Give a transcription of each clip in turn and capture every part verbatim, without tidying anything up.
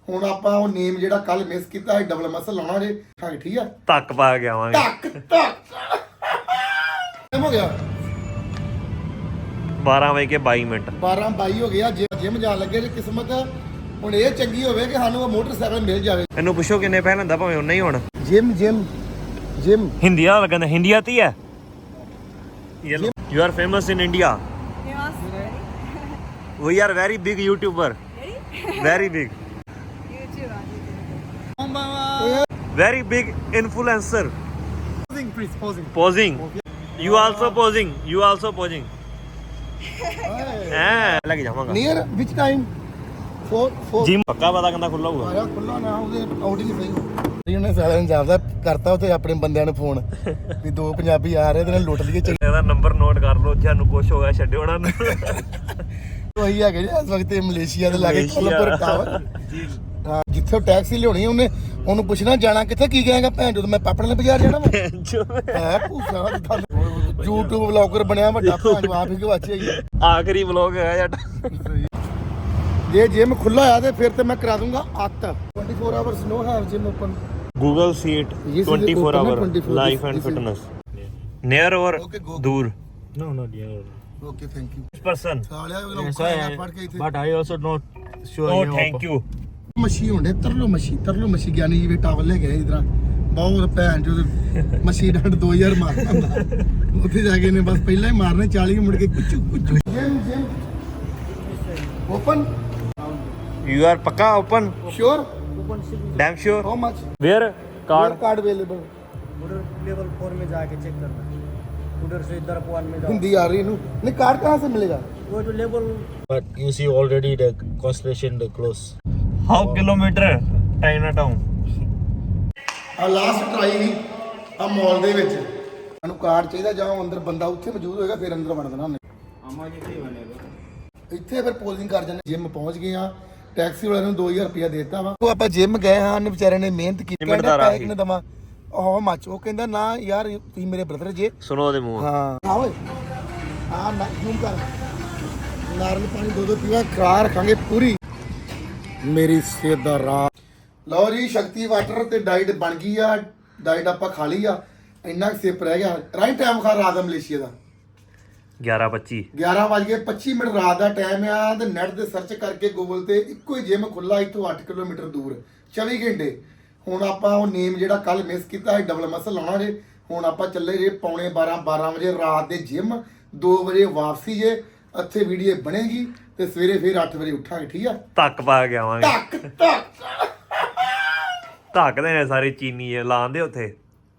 ਹੁਣ ਆਪਾਂ ਉਹ ਨੇਮ ਜਿਹੜਾ ਕੱਲ ਮਿਸ ਕੀਤਾ ਹੈ ਡਬਲ ਮਸਲ ਲਾਉਣਾ ਜੇ ਹਾਂ ਠੀਕ ਆ ਧੱਕ ਪਾ ਕੇ ਆਵਾਂਗੇ ਧੱਕ ਧੱਕ ਹੋ ਗਿਆ ਬਾਰਾਂ ਵਜੇ ਕੇ ਬਾਈ ਮਿੰਟ ਬਾਰਾਂ ਬਾਈ ਹੋ ਗਿਆ ਜਿਮ ਜਾਣ ਲੱਗੇ ਜੇ ਕਿਸਮਤ ਹੁਣ ਇਹ ਚੰਗੀ ਹੋਵੇ ਕਿ ਸਾਨੂੰ ਉਹ ਮੋਟਰਸਾਈਕਲ ਮਿਲ ਜਾਵੇ ਇਹਨੂੰ ਪੁੱਛੋ ਕਿੰਨੇ ਪੈਸੇ ਲੈਂਦਾ ਭਾਵੇਂ ਉਹਨਾਂ ਹੀ ਹੋਣ ਜਿਮ ਜਿਮ ਜਿਮ ਹਿੰਦੀ ਵਾਲਾ ਲੱਗਦਾ ਹਿੰਦੀ ਆਤੀ ਹੈ you are famous in India we are very big YouTuber very big very big influencer posing please posing posing you also posing you also posing ਹਾਂ ਲੱਗ ਜਾਵਾਂਗਾ near which time four four gym ਪੱਕਾ ਪਤਾ ਕਹਿੰਦਾ ਖੁੱਲਾ ਹੋਊਗਾ ਆਇਆ ਖੁੱਲਾ ਨਾ ਉਹਦੇ ਆਊਟ ਹੀ ਨਹੀਂ ਸਹੀ ਉਹਨੇ ਸਾਲਿਆਂ ਨੇ ਜਾਪਦਾ ਕਰਤਾ ਉੱਥੇ ਆਪਣੇ ਬੰਦਿਆਂ ਨੂੰ ਫੋਨ ਵੀ ਦੋ ਪੰਜਾਬੀ ਆ ਰਹੇ ਤੇ ਨਾਲ ਲੁੱਟ ਲਈਏ ਇਹਦਾ ਨੰਬਰ ਨੋਟ ਕਰ ਲਓ ਤੁਹਾਨੂੰ ਕੁਝ ਹੋਗਾ ਛੱਡਿਓ ਉਹਨਾਂ ਨੂੰ ਉਹੀ ਹੈਗੇ ਜੀ ਇਸ ਵਕਤ ਮਲੇਸ਼ੀਆ ਦੇ ਲਾਗੇ ਕੋਲਪੁਰ ਟਾਵਰ ਹਾਂ ਜਿੱਥੇ ਟੈਕਸੀ ਲਿਆਉਣੀ ਉਹਨੇ ਉਹਨੂੰ ਪੁੱਛਣਾ ਜਾਣਾ ਕਿੱਥੇ ਕੀ ਕਹੇਗਾ ਭੈਣ ਜਦੋਂ ਮੈਂ ਪਾਪੜ ਵਾਲੇ ਬਾਜ਼ਾਰ ਜਾਣਾ ਵਾ ਹੈ ਭੂਸਾ YouTube ਵਲੌਗਰ ਬਣਿਆ ਵੱਡਾ ਭੈਣ ਆਪ ਹੀ ਗਵਾਚਿਆ ਹੀ ਆਖਰੀ ਵਲੌਗ ਹੈ ਜੱਟ ਜੇ ਜਿਮ ਖੁੱਲਾ ਆ ਤੇ ਫਿਰ ਤੇ ਮੈਂ ਕਰਾ ਦੂੰਗਾ ਅੱਤ twenty-four hours no have gym open Google Seat twenty-four hour life and fitness near or दूर No, not near. okay thank you person ਸਾਲਿਆ Yes, I, ਪੜ ਕੇ ਇੱਥੇ but I also not sure. oh you thank you ਮੱਛੀ ਹੁੰਦੇ ਤਰਲੋ ਮੱਛੀ ਤਰਲੋ ਮੱਛੀ ਗਿਆਨੀ ਜੀ ਵੀ towel ਲੈ ਗਏ ਇਧਰ ਬਹੁਤ ਭੈਣ ਜੋ ਮੱਛੀ ਡੰਡ ਦੋ ਹਜ਼ਾਰ ਮਾਰਦਾ ਹੁੰਦਾ ਉੱਥੇ ਜਾ ਕੇ ਨੇ ਬਸ ਪਹਿਲਾਂ ਹੀ ਮਾਰਨੇ ਚਾਲੀ ਮੁੜ ਕੇ ਕੁਚੂ ਕੁਚੂ gym gym open you are ਪੱਕਾ open sure damn sure how much where card card card available उधर लेवल फोर में जाके चेक करना उधर से इधर वन में जाओ हिंदी आ रही है नहीं कार्ड कहाँ से मिलेगा go to level but you see already the concentration the close how kilometer China town ਆ ਲਾਸਟ ਟਰਾਈ ਆ ਮਾਲ ਦੇ ਵਿੱਚ ਸਾਨੂੰ ਕਾਰਡ ਚਾਹੀਦਾ ਜਾਂ ਅੰਦਰ ਬੰਦਾ ਉੱਥੇ ਮੌਜੂਦ ਹੋਏਗਾ ਫਿਰ ਅੰਦਰ ਵੜ ਦੇਣਾ ਉਹਨੇ अम्मा जी नहीं बनेगा ਇੱਥੇ ਫਿਰ ਪੋਲਿੰਗ ਕਰ ਜਾਂਦੇ ਜਿਮ ਪਹੁੰਚ ਗਏ ਆ ਟੈਕਸੀ ਵਾਲੇ ਨੂੰ ਦੋ ਹਜ਼ਾਰ ਰੁਪਇਆ ਦੇ ਦਿੱਤਾ ਵਾ ਉਹ ਆਪਾਂ ਜਿਮ ਗਏ ਹਾਂ ਉਹਨੇ ਵਿਚਾਰੇ ਨੇ ਮਿਹਨਤ ਕੀਤੀ ਕਹਿੰਦਾ ਪੈਸੇ ਕਿੰਨੇ ਦਵਾਂ ਉਹ ਮੱਚ ਉਹ ਕਹਿੰਦਾ ਨਾ ਯਾਰ ਤੁਸੀਂ ਮੇਰੇ ਬ੍ਰਦਰ ਜੇ ਸੁਣੋ ਉਹਦੇ ਮੂੰਹ ਹਾਂ ਆ ਓਏ ਆ ਨਾ ਜ਼ੂਮ ਕਰ ਨਾਰਲ ਪਾਣੀ ਦੋ ਦੋ ਪੀਵਾ ਖਰਾ ਰੱਖਾਂਗੇ ਪੂਰੀ ਮੇਰੀ ਸਿਹਤ ਦਾ ਰਾਹ ਲਓ ਜੀ ਸ਼ਕਤੀ ਵਾਟਰ ਤੇ ਡਾਈਟ ਬਣ ਗਈ ਆ ਡਾਈਟ ਆਪਾਂ ਖਾ ਲਈ ਆ ਇੰਨਾ ਸਿਪ ਰਹਿ ਗਿਆ ਰਾਈਟ ਟਾਈਮ ਖਾ ਰਾਤ ਦਾ ਮਲੇਸ਼ੀਆ ਦਾ ਗਿਆਰਾਂ ਪੱਚੀ ਗਿਆਰਾਂ ਵੱਜ ਕੇ ਪੱਚੀ ਮਿੰਟ ਰਾਤ ਦਾ ਟਾਈਮ ਆ ਤੇ ਨੈਟ ਤੇ ਸਰਚ ਕਰਕੇ ਗੂਗਲ ਤੇ ਇੱਕੋ ਹੀ ਜਿਮ ਖੁੱਲਾ ਇੱਥੋਂ ਅੱਠ ਕਿਲੋਮੀਟਰ ਦੂਰ ਚੌਵੀ ਘੰਟੇ ਹੁਣ ਆਪਾਂ ਉਹ ਨੇਮ ਜਿਹੜਾ ਕੱਲ ਮਿਸ ਕੀਤਾ ਹੈ ਡਬਲ ਮਸਲ ਲਾਉਣਾ ਜੇ ਹੁਣ ਆਪਾਂ ਚੱਲੇ ਜੇ ਪੌਣੇ ਬਾਰਾਂ ਬਾਰਾਂ ਵਜੇ ਰਾਤ ਦੇ ਜਿਮ ਦੋ ਵਜੇ ਵਾਪਸੀ ਜੇ ਇੱਥੇ ਵੀਡੀਓ ਬਣੇਗੀ ਤੇ ਸਵੇਰੇ ਫਿਰ ਅੱਠ ਵਜੇ ਉੱਠਾਂਗੇ ਠੀਕ ਆ ਧੱਕ ਪਾ ਕੇ ਆਵਾਂਗੇ ਧੱਕ ਧੱਕ ਧੱਕ ਦੇ ਨੇ ਸਾਰੇ ਚੀਨੀ ਇਹ ਲਾਉਂਦੇ ਉੱਥੇ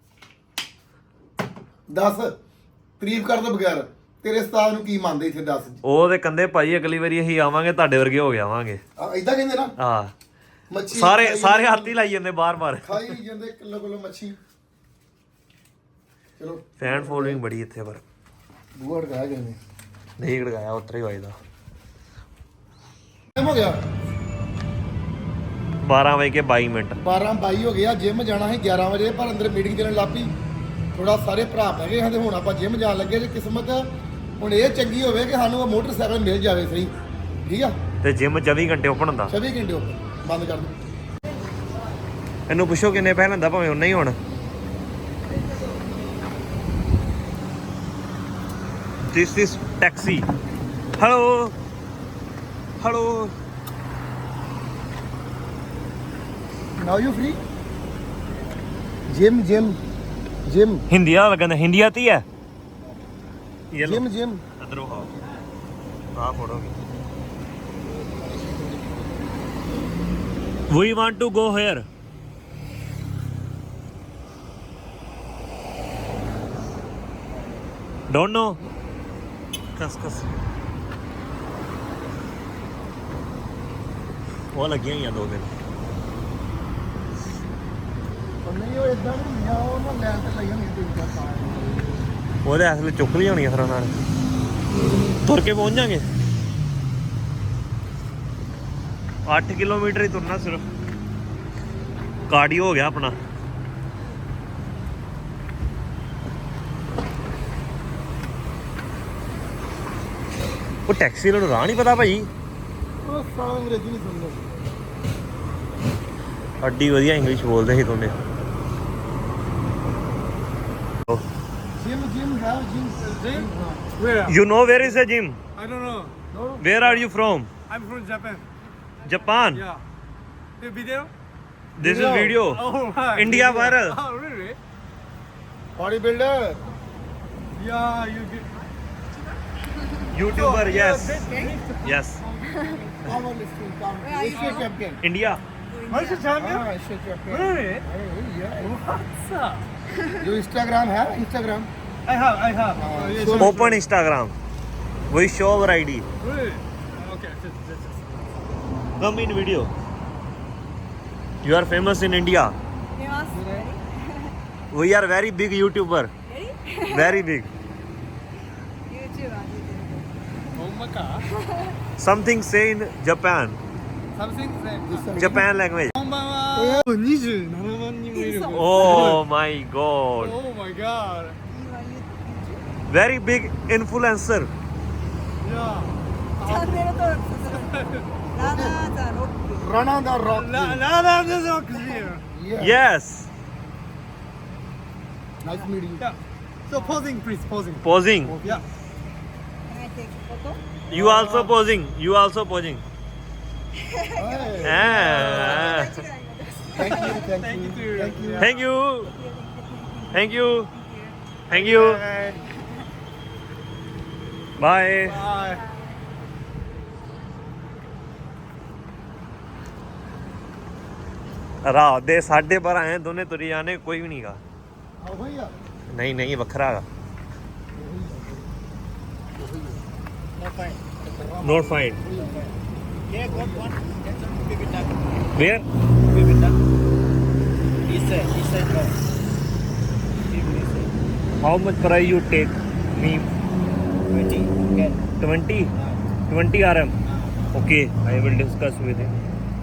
ਦੱਸ ਤਾਰੀਫ ਕਰ ਤੋਂ ਬਗੈਰ ਤੇਰੇ ਉਸਤਾਦ ਨੂੰ ਕੀ ਮੰਨਦੇ ਇੱਥੇ ਦੱਸ ਉਹ ਤੇ ਕੰਦੇ ਭਾਈ ਅਗਲੀ ਵਾਰੀ ਅਸੀਂ ਆਵਾਂਗੇ ਤੁਹਾਡੇ ਵਰਗੇ ਹੋ ਕੇ ਆਵਾਂਗੇ ਇਦਾਂ ਕਹਿੰਦੇ ਨਾ ਹਾਂ ਮੱਛੀ ਸਾਰੇ ਸਾਰੇ ਹੱਥ ਹੀ ਲਾਈ ਜਾਂਦੇ ਬਾਰ ਬਾਰ ਖਾਈ ਜਾਂਦੇ ਕਿਲੋ ਕਿਲੋ ਮੱਛੀ ਚਲੋ ਫੈਨ ਫੋਲੋਇੰਗ ਬੜੀ ਇੱਥੇ ਪਰ ਬੂਹੜ ਗਾ ਗਏ ਨੇ ਨਹੀਂ ਗੜਗਾਇਆ ਉਤਰ ਹੀ ਵੱਜਦਾ ਹੋ ਗਿਆ ਬਾਰਾਂ ਵਜੇ ਕੇ ਬਾਈ ਮਿੰਟ ਬਾਰਾਂ ਬਾਈ ਹੋ ਗਿਆ ਜਿਮ ਜਾਣਾ ਸੀ ਗਿਆਰਾਂ ਵਜੇ ਪਰ ਅੰਦਰ ਮੀਟਿੰਗ ਚੱਲਣ ਲੱਗ ਪਈ ਥੋੜਾ ਸਾਰੇ ਭਰਾ ਪੈ ਗਏ ਹਾਂ ਤੇ ਹੁਣ ਆਪਾਂ ਜਿਮ ਜਾਣ ਲੱਗੇ ਜੇ ਕਿਸਮਤ ਹੁਣ ਇਹ ਚੰਗੀ ਹੋਵੇ ਕਿ ਸਾਨੂੰ ਉਹ ਮੋਟਰਸਾਈਕਲ ਮਿਲ ਜਾਵੇ ਸਹੀ ਠੀਕ ਆ ਤੇ ਜਿਮ ਚੌਵੀ ਘੰਟੇ ਓਪਨ ਹੁੰਦਾ ਚੌਵੀ ਘੰਟੇ ਉੱਪਰ ਬੰਦ ਕਰ ਦੋ ਇਹਨੂੰ ਪੁੱਛੋ ਕਿੰਨੇ ਪੈਸੇ ਲੈਂਦਾ ਭਾਵੇਂ ਉਹਨਾਂ ਹੀ ਹੋਣ This is taxi. Hello. Hello. Now you free? Gym, gym, gym. Hindi वाला लगता है हिंदी आती है Gym, gym. इधर आओ हाँ फोड़ोगे We want to go here. Don't know. कस कस वो लगियां ही दो दिन ਨਹੀਂ ਉਹ ਇਦਾਂ ਨਹੀਂ ਆ ਉਹ ਨਾ ਲੈਣ ਤੇ ਲਈ ਹੋਣੀ ਤਿੰਨ ਚਾਰ ਸਾਲ ਉਹਦੇ ਅਸਲ ਚੁੱਕ ਲਈ ਹੋਣੀ ਫਿਰ ਨਾਲ ਤੁਰ ਕੇ ਪਹੁੰਚ ਜਾਾਂਗੇ ਅੱਠ ਕਿਲੋਮੀਟਰ ਹੀ ਤੁਰਨਾ ਸਿਰਫ ਕਾਰਡੀਓ ਹੋ ਗਿਆ ਆਪਣਾ ਉਹ ਟੈਕਸੀ ਵਾਲੇ ਨੂੰ ਰਾਹ ਨਹੀਂ ਪਤਾ ਭਾਈ ਉਹ ਸਾਲਾ ਅੰਗਰੇਜ਼ੀ ਨਹੀਂ ਸੁਣਦਾ ਅੱਡੀ ਵਧੀਆ ਇੰਗਲਿਸ਼ ਬੋਲਦੇ ਸੀ ਦੋਨੇ ਜਿਮ ਜਿਮ ਹੈ gym Gym? Where? You know where is a gym I don't know. Where are you from I'm from Japan. Japan Yeah. The video? This is video Oh, right. India viral Oh, really? Body builder Yeah, you did. YouTuber yes yes our listing come Asia champion India Malaysia champion? ਹਾਂ Asia champion Really? What's up? ਜੋ Instagram ਹੈ Instagram I have, I have. Uh, Oh, yes, so- sure. open Instagram we show our I D Really? Okay, just, just, just. come in video you are famous in India we are very big YouTuber very big Oh my god. something say in Japan Something like Japan language こんばんは。にじゅうななまん人もいる。 oh my god Oh my god. very big influencer Yeah. チャンネル登録させる。ラナーザロック。 Rana the Rock La la la this is clear. yes nice meeting Yeah. So posing, please posing. posing Yeah. Can I take photo? you also posing you also posing ah. Thank you thank Thank you you. Thank you thank you thank you thank you bye Bye. ਰਾਤ ਦੇ ਸਾਢੇ ਬਾਰਾਂ ਆਏ ਦੋਨੇ ਤੁਰੀ ਜਾਣੇ ਕੋਈ ਵੀ ਨਹੀਂਗਾ ਆਹੋ ਹੀ ਆ ਨਹੀਂ ਨਹੀਂ ਵੱਖਰਾ ਹੈਗਾ not find Yeah, got one. Get some baby duck. Where Baby duck. He said, he said no. He said how much price you take me twenty. Get. twenty twenty R M okay I will discuss with him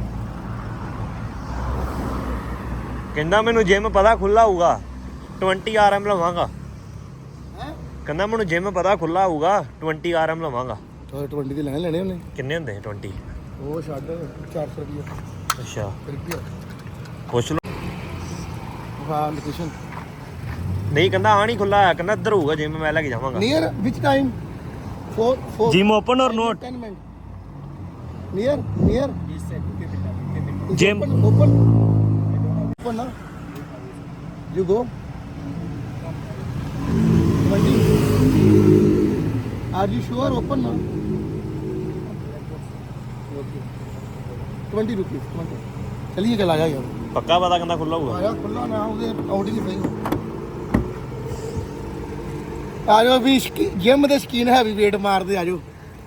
ਕਹਿੰਦਾ ਮੈਨੂੰ gym ਪਤਾ ਖੁੱਲਾ ਹੋਊਗਾ twenty R M ਲਵਾਂਗਾ ਹੈ ਕਹਿੰਦਾ ਮੈਨੂੰ gym ਪਤਾ ਖੁੱਲਾ ਹੋਊਗਾ twenty R M ਲਵਾਂਗਾ ਟਵੰਟੀ ਦੇ ਲੈਣ ਲੈਣੇ ਉਹਨੇ ਕਿੰਨੇ ਹੁੰਦੇ twenty ਉਹ ਛੱਡ ਚਾਰ ਸੌ ਰੁਪਏ ਅੱਛਾ ਰੁਪਏ ਪੁੱਛ ਲਓ ਹਾਂ ਲੋਕੇਸ਼ਨ ਨਹੀਂ ਕਹਿੰਦਾ ਆ ਨਹੀਂ ਖੁੱਲਾ ਹੈ ਕਹਿੰਦਾ ਇੱਧਰ ਹੋਊਗਾ ਜਿਮ ਮੈਂ ਲੈ ਕੇ ਜਾਵਾਂਗਾ ਨੀਅਰ ਵਿਚ time four four gym open or not ten minute near near He said baby duck. Baby duck. Gym. Open open ਨਾ you go are you sure open ना ट्वेंटी रुपीज चलिए चला जाएगा ਪੱਕਾ ਪਤਾ ਕਹਿੰਦਾ ਖੁੱਲਾ ਹੋਊਗਾ आया खुला ना उसे आउट ही नहीं आ जाओ भी जिम ਦੇ ਸ਼ਕੀਨ ਹੈਵੀ weight ਮਾਰਦੇ ਆ ਜਾਓ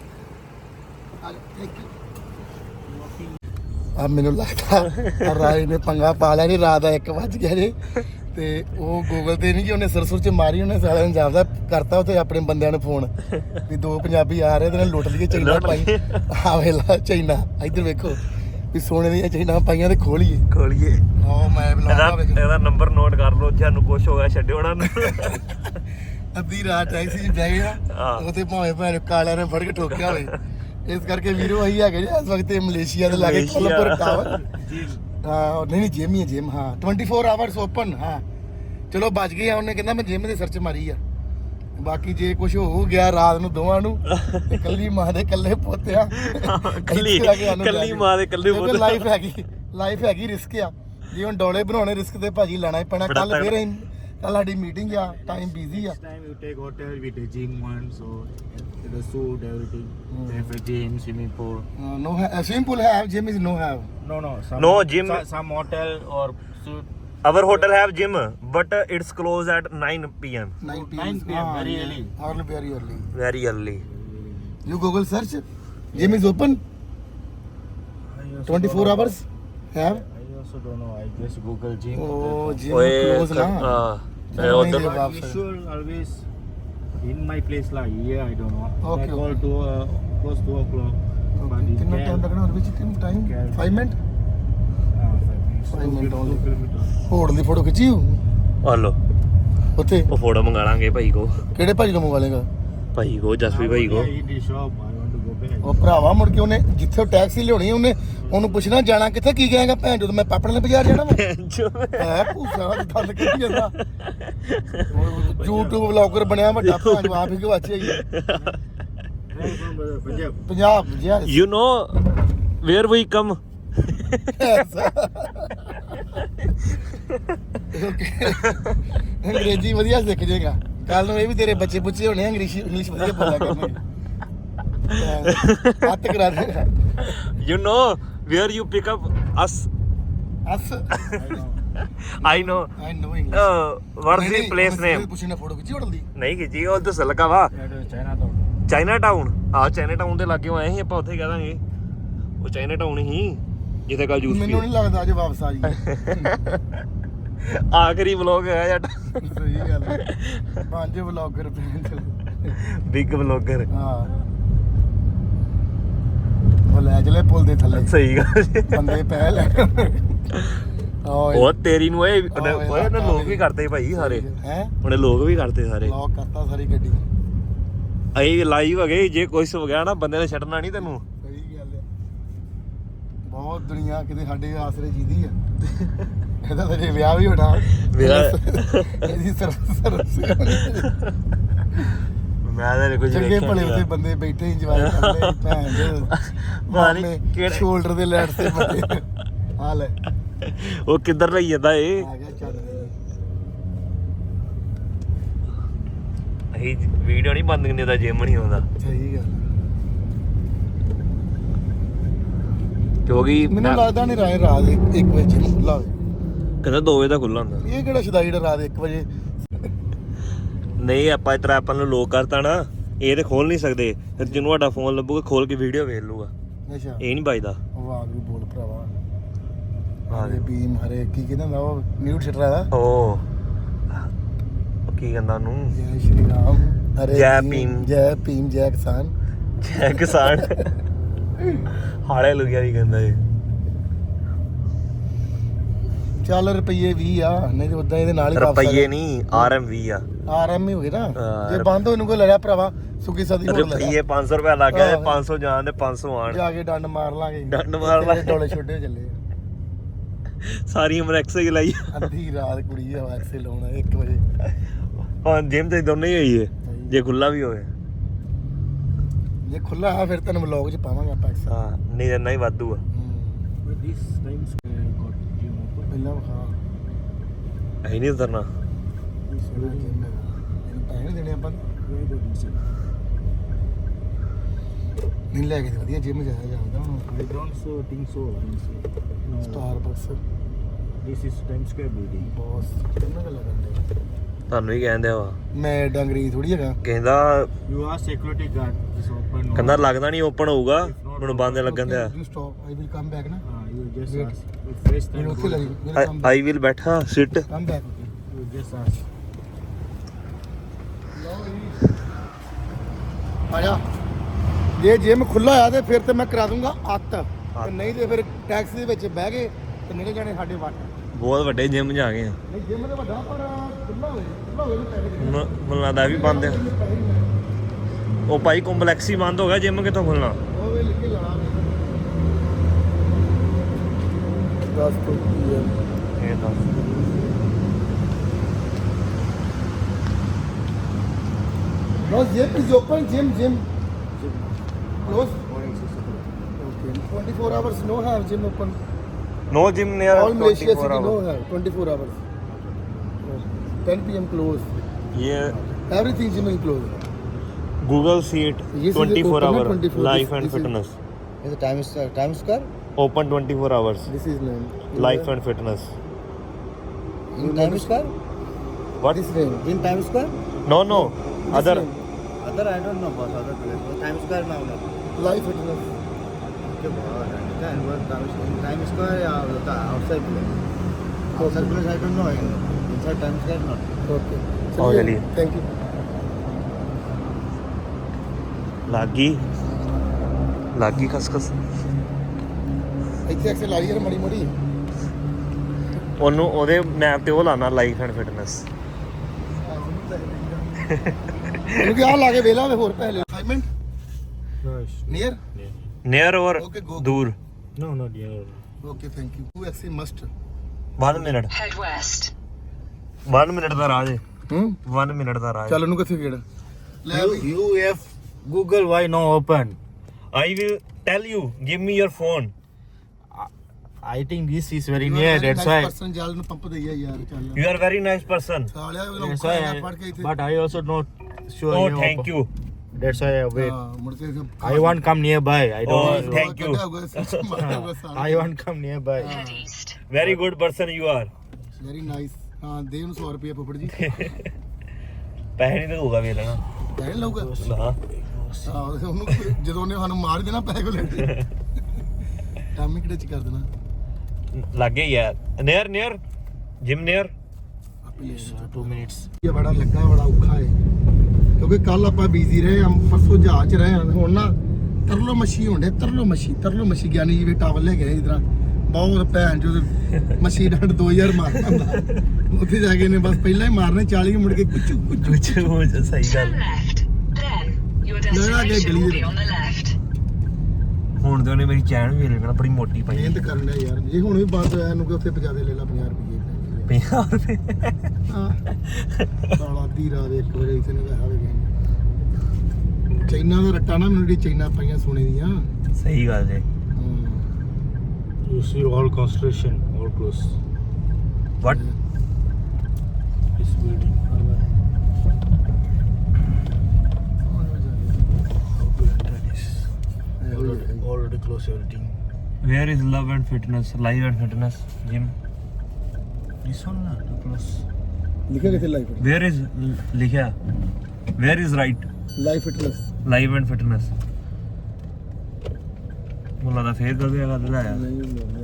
ਆ ਮੈਨੂੰ ਲੱਗਦਾ ਰਾਏ ਨੇ ਪੰਗਾ ਪਾ ਲਿਆ ਨਹੀਂ ਰਾਤ ਦਾ ਇੱਕ ਵੱਜ ਗਿਆ ਜੇ ਤੇ ਉਹ ਗੂਗਲ ਤੇ ਨਹੀਂ ਕਿ ਉਹਨੇ ਸਰਸੁਰ ਚ ਮਾਰੀ ਉਹਨੇ ਸਾਲਿਆਂ ਨੂੰ ਜਾਪਦਾ ਕਰਤਾ ਉੱਥੇ ਆਪਣੇ ਬੰਦਿਆਂ ਨੂੰ ਫੋਨ ਵੀ ਦੋ ਪੰਜਾਬੀ ਆ ਰਹੇ ਤੇ ਨਾਲ ਲੁੱਟ ਲਈਏ ਚੈਨਾ ਪਾਈ ਆ ਵੇਲਾ ਚੈਨਾ ਇੱਧਰ ਵੇਖੋ ਵੀ ਸੋਨੇ ਦੀਆਂ ਚੈਨਾ ਪਾਈਆਂ ਤੇ ਖੋਲੀਏ ਖੋਲੀਏ ਉਹ ਮੈਂ ਇਹਦਾ ਬੁਲਾਉਂਦਾ ਵੇਖੋ ਇਹਦਾ ਨੰਬਰ ਨੋਟ ਕਰ ਲਓ ਤੁਹਾਨੂੰ ਕੁਝ ਹੋ ਗਿਆ ਛੱਡਿਓ ਉਹਨਾਂ ਨੂੰ ਅੱਧੀ ਰਾਤ ਟੈਕਸੀ 'ਚ ਬਹਿ ਗਿਆ ਹਾਂ। ਉਹਤੇ ਭਾਵੇਂ ਭੈਣ ਕਾਲਿਆਂ ਨੇ ਫੜ ਕੇ ਠੋਕਿਆ ਹੋਵੇ ਇਸ ਕਰਕੇ ਵੀਰੋ ਅਸੀਂ ਹੈਗੇ ਜੀ ਇਸ ਵਕਤ ਇਹ ਮਲੇਸ਼ੀਆ ਦੇ ਲਾਗੇ ਮਲੇਸ਼ੀਆ। ਕੋਲਪੁਰ ਟਾਵਰ ਹਾਂ ਨਹੀਂ ਨਹੀਂ ਜਿਮ ਹੀ ਹੈ ਜਿਮ ਹਾਂ ਚੌਵੀ ਆਵਰਸ ਓਪਨ ਹਾਂ ਚਲੋ ਬਚ ਗਏ ਆ ਉਹਨੇ ਕਹਿੰਦਾ ਮੈਂ ਜਿਮ ਦੇ ਸਰਚ ਮਾਰੀ ਆ ਬਾਕੀ ਜੇ ਕੁਝ ਹੋ ਗਿਆ ਰਾਤ ਨੂੰ ਦੋਵਾਂ ਨੂੰ ਤੇ ਕੱਲੀ ਮਾਂ ਦੇ ਕੱਲੇ ਪੋਤਿਆ ਕੱਲੀ ਕੱਲੀ ਮਾਂ ਦੇ ਕੱਲੇ ਪੁੱਤ ਲਾਈਫ ਹੈਗੀ ਲਾਈਫ ਹੈਗੀ ਰਿਸਕ ਆ ਜੇ ਹੁਣ ਡੋਲੇ ਬਣਾਉਣੇ ਰਿਸਕ ਤੇ ਭਾਜੀ ਲੈਣਾ ਹੀ ਪੈਣਾ ਕੱਲ ਫੇਰ ਅਸੀਂ ਕੱਲ ਸਾਡੀ ਮੀਟਿੰਗ ਆ ਟਾਈਮ ਬਿਜ਼ੀ ਆ Next time you take hotel with the gym one, so the suit, everything. They have a gym, swimming pool. No swimming pool ਹੈ gym is no have No, no, some No, gym- so- some hotel or suit. our hotel have gym but it's closed at nine p m nine nine p m, very early. Early, very early. very early You Google search. Gym is open. I also twenty-four don't know. hours. Have. I also don't know. I just Google gym. Oh, gym ਓਏ close ਕ- na. ਹਾਂ ਇਹ ਨਹੀਂ ਉੱਧਰ ਦੇ But ਵਾਪਸ। usual always in my place like here. I don't know. Okay, I call okay. to uh, close two o'clock. But it कितना can- time लगना और which time time? Okay. Five minute. Ah, five minutes. Five Two minutes kil- only. two kilometers. ਹੋੜ ਦੀ photo ਖਿੱਚੀ ਹੋਊ? Hello ਉੱਥੇ ਉਹ photo ਮੰਗਾ ਲਾਂਗੇ ਭਾਈ ਕੋ ਕਿਹੜੇ ਭਾਜੀ ਨੂੰ ਮੰਗਾ ਲੇਗਾ ਭਾਈ ਕੋ ਜਸਵੀ ਭਾਈ ਕੋ Yeah, in the shop. I want to go back. ਉਹ ਭਰਾਵਾ ਮੁੜ ਕੇ ਉਹਨੇ ਜਿੱਥੇ ਟੈਕਸੀ ਲਿਆਉਣੀ ਉਹਨੇ ਉਹਨੂੰ ਪੁੱਛਣਾ ਜਾਣਾ ਕਿੱਥੇ ਕੀ ਕਹੇਗਾ ਭੈਣ ਜਦੋਂ ਮੈਂ ਪਾਪੜ ਵਾਲੇ ਬਾਜ਼ਾਰ ਜਾਣਾ ਵਾ ਹੈ ਭੂਸਾ ਦਾ ਦੰਦ ਕੱਢੀ ਜਾਂਦਾ YouTube ਵਲੌਗਰ ਬਣਿਆ ਵੱਡਾ ਭੈਣ ਨੂੰ ਆਪ ਹੀ ਗਵਾਚਿਆ ਹੀ Punjab yes you know where we come ਅੰਗਰੇਜ਼ੀ ਵਧੀਆ ਸਿੱਖ ਜਾਏਗਾ ਕੱਲ ਨੂੰ ਇਹ ਵੀ ਤੇਰੇ ਬੱਚੇ ਪੁੱਛੇ ਹੋਣੇ ਇੰਗਲਿਸ਼ ਇੰਗਲਿਸ਼ ਵਧੀਆ ਬੋਲਿਆ ਕਰਨਗੇ ਹੱਥ ਕਰਾ ਦੇਗਾ you know where you pick up us us I know I know English what's the place name ਪੁੱਛਣਾ ਫੋਟੋ ਖਿੱਚੀ ਹੋਣ ਦੀ ਨਹੀਂ ਖਿੱਚੀ ਉਹ ਦੱਸ ਲੱਗਾ ਵਾ चाइना तो ਚਾਈਨਾ ਟਾਊਨ ਆ ਚਾਈਨਾ ਟਾਊਨ ਦੇ ਲਾਗੇ ਆਏ ਸੀ ਆਪਾਂ ਉੱਥੇ ਕਹਿ ਦਾਂਗੇ ਉਹ ਚਾਈਨਾ ਟਾਊਨ ਹੀ ਜਿੱਥੇ ਕੱਲ ਜੂਸ ਮੈਨੂੰ ਨਹੀਂ ਲੱਗਦਾ ਅੱਜ ਵਾਪਸ ਆ ਜੀ ਆਖਰੀ ਵਲੌਗ ਹੈ ਜੱਟ ਸਹੀ ਗੱਲ ਹੈ ਪੰਜ ਵਲੌਗਰ ਬਿਗ ਵਲੌਗਰ ਹਾਂ ਉਹ ਲੈ ਚਲੇ ਪੁੱਲ ਦੇ ਥੱਲੇ ਸਹੀ ਗੱਲ ਜੀ। ਬੰਦੇ ਪੈ ਲੈ ਉਹ ਤੇਰੀ ਨੂੰ ਓਏ ਓਏ ਉਹਨੇ ਲੋਕ ਵੀ ਕਰਦੇ ਭਾਈ ਸਾਰੇ ਹੈ ਉਹਨੇ ਲੋਕ ਵੀ ਕਰਦੇ ਸਾਰੇ ਲੌਕ ਕਰਤਾ ਸਾਰੀ ਗੱਡੀ ਅਸੀਂ ਲਾਈਵ ਹੋ ਗਏ ਜੇ ਕੁਛ ਹੋ ਗਿਆ ਨਾ ਬੰਦੇ ਨੇ ਛੱਡਣਾ ਨਹੀਂ ਤੈਨੂੰ ਸਹੀ ਗੱਲ ਹੈ ਬਹੁਤ ਦੁਨੀਆ ਕਿਤੇ ਸਾਡੇ ਆਸਰੇ ਜੀਦੀ ਆ ਇਹਦਾ ਤਾਂ ਜੇ ਵਿਆਹ ਵੀ ਹੋਣਾ ਵਿਆਹ- ਇਹਦੀ ਸਰਵਿਸ ਸਰਵਿਸ ਮੈਂ ਤਾਂ ਕੁਝ ਚੰਗੇ ਭਲੇ ਉੱਥੇ ਬੰਦੇ ਬੈਠੇ ਇੰਜੋਏ ਕਰਦੇ ਭੈਣ ਦੇ ਮਾਨੀ ਮਾਮੇ ਕਿਹੜੇ- ਸ਼ੋਲਡਰ ਦੇ ਲੈਟ ਤੇ ਬੰਦੇ ਆ ਲੈ ਉਹ ਕਿੱਧਰ ਲਈ ਜਾਂਦਾ ਏ ਆ ਗਿਆ ਚੱਲ ਅਸੀਂ ਵੀਡੀਓ ਨਹੀਂ ਬੰਦ ਕਰਨੀ ਦਾ ਜਿਮ ਨਹੀਂ ਆਉਂਦਾ ਸਹੀ ਗੱਲ ਕਿਉਂਕਿ ਮੈਨੂੰ ਲੱਗਦਾ ਨਹੀਂ ਰਾਏ ਰਾਤ ਇੱਕ ਵਜੇ ਜਿਮ ਖੁੱਲਾ ਹੋਵੇ ਕਹਿੰਦਾ ਦੋ ਵਜੇ ਦਾ ਖੁੱਲਾ ਹੁੰਦਾ ਇਹ ਕਿਹੜਾ ਸ਼ਦਾਈ ਜਿਹੜਾ ਰਾਤ ਇੱਕ ਵਜੇ ਨਹੀਂ ਆਪਾਂ ਇਤਰਾ ਆਪਾਂ ਨੂੰ ਲੋਕ ਕਰਤਾ ਨਾ ਇਹ ਤੇ ਖੋਲ ਨਹੀਂ ਸਕਦੇ ਫਿਰ ਜਿਹਨੂੰ ਤੁਹਾਡਾ ਫੋਨ ਲੱਭੂਗਾ ਖੋਲ ਕੇ ਵੀਡੀਓ ਵੇਖ ਲੂਗਾ ਅੱਛਾ ਇਹ ਨਹੀਂ ਵੱਜਦਾ ਉਹ ਆ ਵੀ ਬੋਲ ਭਰਾਵਾ ਹਾਂ ਹਰੇ ਬੀਮ ਹਰੇ ਕੀ ਕਹਿੰਦਾ ਹੁੰਦਾ ਉਹ ਮਿਊਟ ਛੱਡ ਰਹਾ ਉਹ ਉਹ ਕੀ ਕਹਿੰਦਾ ਉਹਨੂੰ ਜੈ ਸ਼੍ਰੀ ਰਾਮ ਹਰੇ ਜੈ ਭੀਮ। ਜੈ ਭੀਮ ਜੈ ਕਿਸਾਨ ਜੈ ਕਿਸਾਨ ਹਾਲੇ ਲੁਗਿਆ ਵੀ ਕਹਿੰਦਾ ਇਹ ਚੱਲ ਰੁਪਈਏ ਵੀਹ ਆ ਨਹੀਂ ਤੇ ਉਦਾਂ ਇਹਦੇ ਨਾਲ ਹੀ ਵਾਪਸ ਰੁਪਈਏ ਨਹੀਂ ਆਰ ਐਮ ਵੀ ਆ ਆਰ ਐਮ ਹੀ ਹੋ ਗਏ ਨਾ ਹਾਂ, ਜੇ ਬੰਦ ਹੋਏ ਨੂੰ ਕੋਈ ਲੜਿਆ ਭਰਾਵਾ ਸੁੱਕੀ ਸਦੀ ਹੋਰ ਲੈ ਰੁਪਈਏ ਪੰਜ ਸੌ ਰੁਪਏ ਲੱਗ ਗਿਆ ਹਾਂ। ਤੇ ਪੰਜ ਸੌ ਜਾਣ ਦੇ ਪੰਜ ਸੌ ਆਣ ਜਾ ਕੇ ਡੰਡ ਮਾਰ ਲਾਂਗੇ ਡੰਡ ਮਾਰ ਲਾਂਗੇ। ਡੋਲੇ ਛੋਟੇ ਚੱਲੇ ਸਾਰੀ ਉਮਰ ਐਕਸਰਸਾਈਜ਼ ਲਾਈ ਅੱਧੀ ਰਾਤ ਕੁੜੀ ਆ ਐਕਸੇ ਲਾਉਣਾ ਇੱਕ ਵਜੇ ਹਾਂ ਜਿਮ ਤੇ ਦੋਨੇ ਹੀ ਹੋਈ ਹੈ ਜੇ ਖੁੱਲਾ ਵੀ ਹੋਵੇ ਜੇ ਖੁੱਲਾ ਆ ਫਿਰ ਤੈਨੂੰ ਵਲੌਗ 'ਚ ਪਾਵਾਂਗੇ ਆਪਾਂ ਐਕਸ ਹਾਂ ਨਹੀਂ ਇੰਨਾ ਹੀ ਵਾਧੂ ਆ this time square got gym open. ਪਹਿਲਾਂ ਵਿਖਾ ਅਸੀਂ ਨਹੀਂ ਉਤਰਨਾ ਇਹ ਸੋਹਣਾ ਜਿਮ ਹੈਗਾ ਇਹਨੂੰ ਪੈਸੇ ਨੀ ਦੇਣੇ ਆਪਾਂ Where the reason? ਨਹੀਂ ਲੈ ਕੇ ਤੇ ਵਧੀਆ ਜਿਮ ਜਾਇਆ ਜਾਂਦਾ ਹੁਣ I don't so think so. honestly. No. Starbucks This is Times Square building. Boss ਕਿੰਨਾ ਗੱਲ ਕਰਦੇ ਤੁਹਾਨੂੰ ਹੀ ਕਹਿੰਦੇ ਵਾ ਮੈਂ ਡੰਗਰੀ ਥੋੜੀ ਹੈਗਾ ਕਹਿੰਦਾ You are security guard. It's open. no? ਕਹਿੰਦਾ ਲੱਗਦਾ ਨਹੀਂ ਓਪਨ ਹੋਊਗਾ ਮੈਨੂੰ ਬੰਦ ਲੱਗਣ ਦਿਆ you stop I will come back ਨਾ Ah, you just Wait. ask. If first time ਮੈਨੂੰ ਉੱਥੇ go- ਲੱਗੀ ਵਿਲ ਕਮ ਆਈ ਵਿਲ ਬੈਠਾ sit come back you just ask. ਆਇਆ ਜੇ ਜਿਮ ਖੁੱਲਾ ਆ ਤੇ ਫਿਰ ਤੇ ਮੈਂ ਕਰਾ ਦੂੰਗਾ ਅੱਤ ਤੇ ਨਹੀਂ ਤੇ ਫਿਰ ਟੈਕਸੀ ਦੇ ਵਿੱਚ ਬਹਿ ਗਏ ਤੇ ਨਿਕਲ ਜਾਣੇ ਸਾਡੇ ਵੱਟ ਬਹੁਤ ਵੱਡੇ ਜਿਮ ਜਾ ਗਏ ਆ ਨਹੀਂ ਜਿਮ ਤੇ ਵੱਡਾ ਪਰ ਖੁੱਲਾ ਹੋਵੇ ਖੁੱਲਾ ਹੋਵੇ ਤੇ ਪੈਸੇ ਦੇਣੇ। ਮ- ਮੈਨੂੰ ਲੱਗਦਾ ਇਹ ਵੀ ਬੰਦ ਆ ਉਹ ਭਾਈ ਕੰਪਲੈਕਸ ਹੀ ਬੰਦ ਹੋ ਗਿਆ ਜਿਮ ਕਿੱਥੋਂ ਖੁੱਲਣਾ ਉਹ ਵੇ ਲਿਖ ਕੇ ਲਾਣਾ ਦਸ ਤੋਂ ਪੀਐਮ ਇਹ ਤਾਂ No, gym is open. Gym, gym. Close. Morning six o'clock. Okay. twenty-four hours no have gym open. No gym near All Malaysia city no have twenty-four hours. ten p m close. ਇਹ Everything gym is closed. Google seat Yes, is it twenty-four open hour or twenty-four? Life This- and this is- fitness Is the Times Times Square? Open twenty-four hours This is name. Life and fitness In Times Square? What This name. In Times Square? No no other name. Other I don't know about other place. But Times Square now. No. Life fitness. Okay, but then what Times in Times Square or the outside place? Outside place I don't know. In- Inside Times Square not. Okay. Oh, really? Thank you. ਲਾਗੀ ਲਾਗੀ ਖਸਖਸ ਇੱਥੇ ਐਕਸੇ ਲਾਈ ਯਾਰ ਮੜੀ ਮੜੀ ਉਹਨੂੰ ਉਹਦੇ map ਤੇ ਉਹ ਲਾਣਾ ਲਾਈਫ ਐਂਡ ਫਿਟਨੈਸ ਕਿਉਂਕਿ ਆ ਲਾ ਕੇ ਵੇਲਾ ਵੇ ਹੋਰ ਪਹਿਲੇ assignment No, it's near near. Near or Okay, go. ਦੂਰ No, not near. Okay thank you to ਐਕਸੀ must one minute Head west. one minute ਦਾ ਰਾਹ ਹੈ ਹੂੰ one ਮਿੰਟ ਦਾ ਰਾਹ ਹੈ ਚੱਲ ਉਹਨੂੰ ਕਿੱਥੇ ਗੇੜ ਲੈ You, ਵੀ you have Google, why no open? I will tell you give me your phone I think this is very near, that's why. Person ਜਲ ਨੂੰ ਪੰਪ ਦਈਆ ਯਾਰ ਚੱਲ you are very nice person ਸਾਲਿਆ That's ਉਹ why ਪੜ ਕੇ I, ਇੱਥੇ but I also not sure. oh you thank open. you That's why I wait. ਹਾਂ ਮੁੜ ਕੇ I want come nearby. I Oh, don't. thank you. I want come nearby. Head east. very good person you are very nice ਹਾਂ ਦੇ ਉਹਨੂੰ ਸੌ ਰੁਪਏ ਫੁੱਫੜ ਜੀ ਪੈਸੇ ਨਹੀਂ ਦਊਗਾ ਵੇਖ ਲੈਣਾ ਕਹਿਣ ਲਊਗਾ ਨਾ ਹਾਂ ਉਹਨੂੰ ਜਦੋਂ ਉਹਨੇ ਸਾਨੂੰ ਮਾਰ ਦੇਣਾ ਪੈਸੇ ਕੋ ਲੈ ਟਾਮੀ ਕਿਹੜੇ ਚ ਕਰ ਦੇਣਾ ਲੱਗੇ ਯਾਰ ਨੀਅਰ ਨੀਅਰ ਜਿਮ ਨੀਅਰ ਆਪੇ ਲੈ So two minutes. ਇਹ ਬੜਾ ਲੱਗਾ ਬੜਾ ਔਖਾ ਹੈ ਕਿਉਂਕਿ ਕੱਲ ਆਪਾਂ ਬਿਜ਼ੀ ਰਹੇ ਹਾਂ ਪਰਸੋਂ ਜਹਾਜ਼ 'ਚ ਰਹੇ ਹਾਂ ਹੁਣ ਨਾ ਤਰਲੋ ਮੱਛੀ ਹੁੰਦੇ ਤਰਲੋ ਮੱਛੀ ਤਰਲੋ ਮੱਛੀ ਗਿਆਨੀ ਜੀ ਵੀ ਟਾਵਲ ਲੈ ਗਏ ਇਧਰ ਬਹੁਤ ਭੈਣ ਜੋ ਮੱਛੀ ਡੰਡ ਦੋ ਹਜ਼ਾਰ ਮਾਰਦਾ ਹੁੰਦਾ ਉੱਥੇ ਜਾ ਕੇ ਨੇ ਬਸ ਪਹਿਲਾਂ ਹੀ ਮਾਰਨੇ ਚਾਲੀ ਮੁੜ ਕੇ ਕੁਚੂ ਕੁਚੂ ਕੁਝ ਸਹੀ ਗੱਲ Turn left. Then your No, no, destination no, will no. be on the left. ਹੁਣ ਤੇ ਉਹਨੇ ਮੇਰੀ ਚੈਨ ਵੀ ਲੈਣਾ ਬੜੀ ਮੋਟੀ ਪਾਈ ਮਿਹਨਤ ਕਰਨਾ ਯਾਰ ਜੇ ਹੁਣ ਵੀ ਬੰਦ ਹੋਇਆ ਇਹਨੂੰ ਕਿ ਉੱਥੇ ਪਜਾ ਦੇ ਲੈ ਲਾ ਪੰਜਾਹ ਰੁਪਏ ਪੰਜਾਹ ਰੁਪਏ ਹਾਂ ਸਾਲਾ ਅੱਧੀ ਰਾਤ ਇੱਕ ਵਜੇ ਇੱਥੇ ਨੇ ਪੈਸਾ ਵੀ ਗਏ ਚਾਈਨਾ ਦਾ ਰੱਟਾ ਨਾ ਮੈਨੂੰ ਜਿਹੜੀ ਚਾਈਨਾ ਪਾਈਆਂ ਸੋਨੇ ਦੀਆਂ ਸਹੀ ਗੱਲ ਜੇ ਹਾਂ You see all construction, all close. What This building. How to enter this? Already, already close everything. Where is love and fitness live and fitness gym This one, na, too close. ਲਿਖਿਆ ਕਿੱਥੇ life where is ਲਿਖਿਆ where is right life fitness live and fitness ਮੁੱਲਾ ਦਾ ਫੇਰ ਕਰ ਦਿਆ ਕਰ ਆਇਆ ਨਹੀਂ ਨਹੀਂ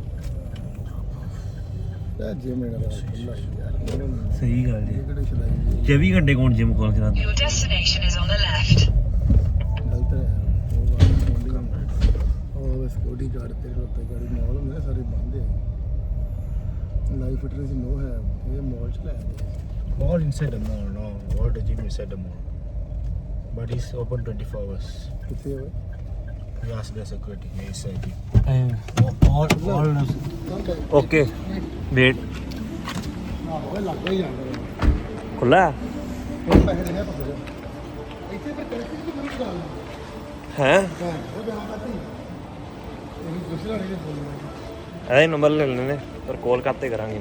ਤਾਂ ਜੇ ਮੇਰਾ ਖੁੱਲਾ ਯਾਰ ਸਹੀ ਗੱਲ ਜੀ ਕਿਹੜੇ ਚਲਾਈ ਚੌਵੀ ਘੰਟੇ ਕੌਣ ਜਿਮ ਕੋਲ ਕਰਾ Your destination is on the left. ਗਲਤ ਹੈ ਉਹ ਸਕਿਉਰਟੀ ਗਾਰਡ ਤੇ ਰੋਤੇ ਗਾੜੀ ਮਾਲ ਹੁੰਦੇ ਨੇ ਸਾਰੇ ਬੰਦ ਹੈ ਲਾਈਫ ਫਿਟਨੈਸ ਨੋ ਹੈ ਇਹ ਮਾਲ ਚ ਲੈ All inside the mall, no. All the gym inside the mall. But it's open twenty-four hours. ਕਿੱਥੇ ਹੋਵੇ You ask the security, they said it. all all okay wait ਨਾ ਹੋਵੇ ਲੱਗ ਹੀ ਜਾਂਦਾ ਖੁੱਲਾ ਇਹ ਪੈਸੇ ਦੇ ਹੈ ਪਕੜ ਇੱਥੇ ਪਰ ਕਰੇ ਕਿ ਮੈਨੂੰ ਗੱਲ ਹੈ ਹੈ ਉਹ ਬਿਆਨ ਕਰਤੀ ਇਹ ਦੂਸਰਾ ਨਹੀਂ ਬੋਲਣਾ ਇਹਦਾ ਨੰਬਰ ਲੈ ਲੈਣੇ ਪਰ ਕਾਲ ਕਰਤੇ ਕਰਾਂਗੇ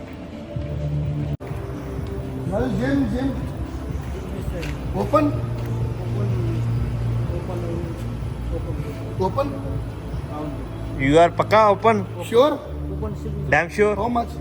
ਨਾਲ gym gym open open you are ਪੱਕਾ open sure damn sure how much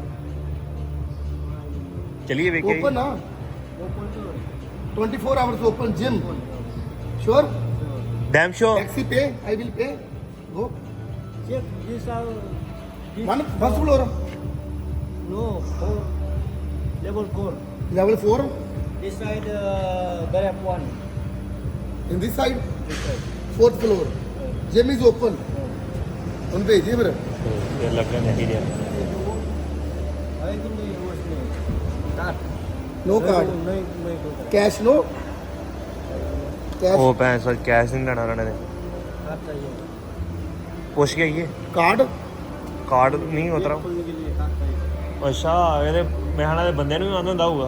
ਚਲਿਏ ਵੇਖੀਏ ओपन ना twenty four hours open gym sure damn sure taxi पे I will pay go Check this out. This one first floor No, four. Level four. Level four This side, uh, Garap one. In this side This side. Fourth floor gym is open उन भेजिए फिर ਇਹ ਲੱਗਣਾ ਨਹੀਂ ਰਿਹਾ I think they was me. Card. No card No, no, no. Cash no cash ਉਹ ਪੈਸਾ cash ਨਹੀਂ ਲੈਣਾ ਉਹਨਾਂ ਨੇ Card चाहिए. ਪੁੱਛ ਕੇ ਆਈਏ कार्ड ਕਾਰਡ ਨਹੀਂ ਉਤਰਾ खोलने के लिए card चाहिए. ਅੱਛਾ ਇਹਦੇ ਮਹਿਣਾ ਦੇ ਬੰਦੇ ਨੂੰ ਵੀ ਆਉਂਦਾ ਹੁੰਦਾ ਹੋਊਗਾ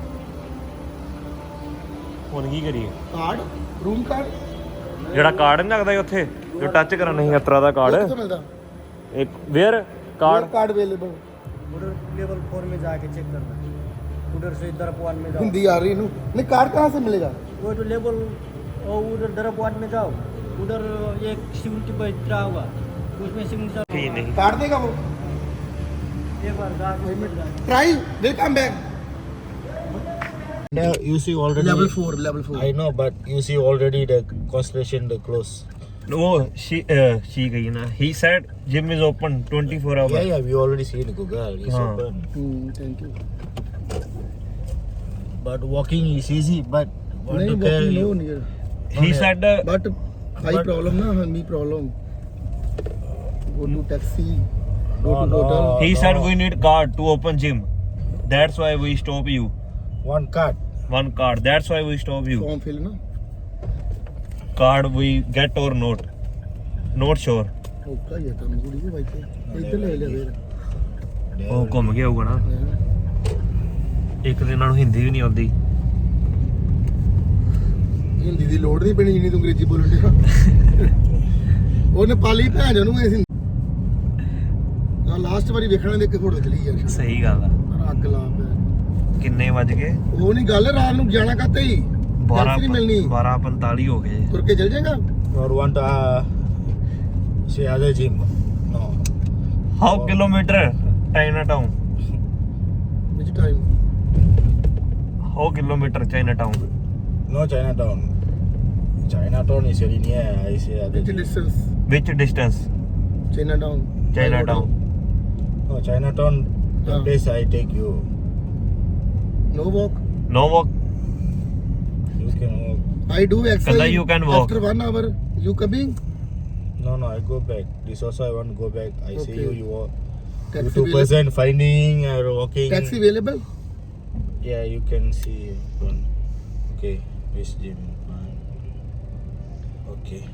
ਹੁਣ ਕੀ ਕਰੀਏ कार्ड रूम कार्ड ਜਿਹੜਾ ਕਾਰਡ ਨਹੀਂ ਲੱਗਦਾ ਸੀ ਉੱਥੇ ਜੋ ਟੱਚ ਕਰਨ ਨਹੀਂ ਅਤਰਾ ਦਾ कितना ਕਾਰड मिलता ਇੱਕ ਵੇਅਰ ਕਾਰਡ कार्ड अवेलेबल उधर लेवल फोर में जाके चेक करना. उधर से दरप वन में जाओ. हिंदी आ रही नू नहीं कार्ड कहाँ से मिलेगा वो तो लेवल और उधर दरप वन में जाओ. उधर एक सिक्योरिटी बैठ रहा होगा. उसमें सिग्नेचर नहीं नहीं कार्ड देगा वो एक बार जाके मिल जाए. Try will come back Now you see already. Level four level four I know, but you see already the construction, the close. ਉਹ she uh, she ਗਈ ਨਾ he said gym is open twenty-four hours Yeah, yeah, we already see in Google. It's Huh. open. Thank you But walking is easy. But want नहीं to tell walking you. no near he said uh, but high But- problem na me problem go to taxi go No, to no. hotel he no. said we need card to open gym that's why we stop you One card. one card that's why we stop you form fill na card we get और not not sure ਔਖਾ ਹੀ ਹੈ ਕੰਮ ਕੁੜੀ ਦੇ ਬਾਈ ਤੇ ਇੱਧਰ ਲੈ ਲਿਆ ਫੇਰ ਉਹ ਘੁੰਮ ਗਿਆ ਹੋਊਗਾ ਨਾ ਇੱਕ ਦਿਨ ਨਾਲ ਹਿੰਦੀ ਵੀ ਨਹੀਂ ਆਉਂਦੀ ਹਿੰਦੀ ਦੀ ਲੋੜ ਨਹੀਂ ਪੈਣੀ ਜਿੰਨੀ ਤੂੰ ਅੰਗਰੇਜ਼ੀ ਬੋਲਣ ਡਿਆ ਉਹ ਨੇਪਾਲੀ ਭੈਣ ਉਹਨੂੰ ਐ ਲਾਸਟ ਵਾਰੀ ਵੇਖਣਾ ਦੇ ਇੱਕ ਫੋਟੋ ਚਲੀ ਯਾਰ ਸਹੀ ਗੱਲ ਆ ਅੱਗ ਲਾ ਪਿਆ ਕਿੰਨੇ ਵੱਜ ਗਏ ਉਹ ਨਹੀਂ ਗੱਲ ਰਾਤ ਨੂੰ ਜਾਣਾ ਕਾਤੇ ਹੀ ਬਾਰਾਂ ਨਹੀਂ ਮਿਲਣੀ ਬਾਰਾਂ ਪੰਤਾਲੀ ਹੋ ਗਏ ਤੁਰ ਕੇ ਚੱਲ ਜਾਏਗਾ Or want to uh, see other gym? No. How kilometre Chinatown ਵਿੱਚ time how kilometre Chinatown No Chinatown. Chinatown is very near. I say other ਵਿੱਚ gym. ਡਿਸਟੈਂਸ ਵਿਚ distance Chinatown Chinatown No Chinatown. The Ah. place I take you. No walk no walk You can walk. I do exercise. Kalla you can walk. After one hour, you coming? No, no, I go back. This also I want to go back. I see Okay. you. You walk. You Taxi two available? person finding or walking. Taxi available? Yeah, you can see one. Okay, this gym. Fine. Okay.